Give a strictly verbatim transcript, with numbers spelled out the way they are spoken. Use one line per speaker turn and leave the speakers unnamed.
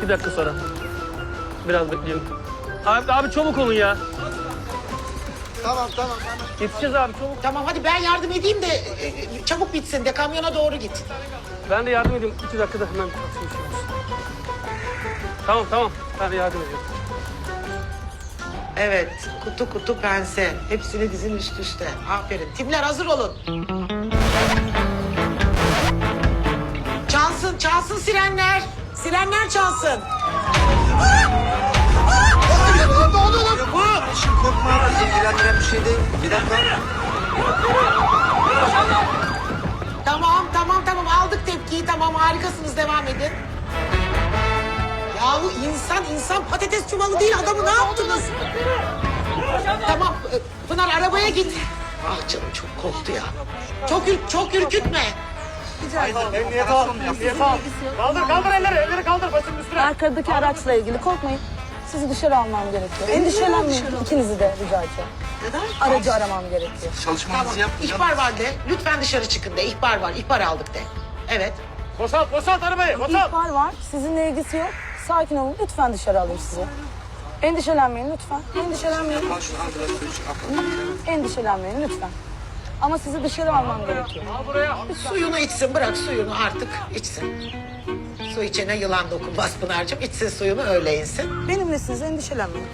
İki dakika sonra. Biraz bekleyelim. Abi, abi çabuk olun ya.
Tamam tamam tamam.
Yetişeceğiz abi çabuk.
Tamam hadi ben yardım edeyim de e, e, çabuk bitsin de kamyona doğru git.
Ben de yardım edeyim. İki dakikada hemen taksi bir şey olsun. Tamam tamam. Ben de yardım ediyorum.
Evet kutu kutu pense. Hepsini dizin üst üste. Aferin. Timler hazır olun. Çalsın çalsın sirenler. Sirenler çalsın.
Ne oldu lan? Bu. Şimdi korkma. Bizi ilgilendiren bir şey değil. Bir dakika.
Tamam tamam tamam aldık tepkiyi tamam harikasınız devam edin. Yahu insan insan patates çuvalı değil adamı ne yaptınız? Tamam e, Pınar arabaya git. Ah canım çok korktu ya. Çok ür çok ürkütme.
Emniyet al. Emniyet al. Kaldır kaldır elleri. Elleri kaldır başının üstüne.
Arkadaki araçla ilgili korkmayın. Sizi dışarı almam gerekiyor. Endişelenmeyin. İkinizi de rica edeceğim.
Neden?
Aracı aramam gerekiyor.
Çalışmanızı
Tamam.
yapın.
İhbar var de. Lütfen dışarı çıkın de. İhbar var. İhbar aldık de. Evet.
Boşalt boşalt arabayı. Boşalt.
İhbar var. Sizinle ilgisi yok. Sakin olun. Lütfen dışarı alayım sizi. Endişelenmeyin lütfen. Endişelenmeyin. Endişelenmeyin lütfen. Ama sizi dışarı almam gerekiyor.
Suyunu içsin. Bırak suyunu artık içsin. Su içene yılan dokunmaz Pınar'cığım. İçsin suyunu öyle insin.
Benimle siz endişelenmeyin.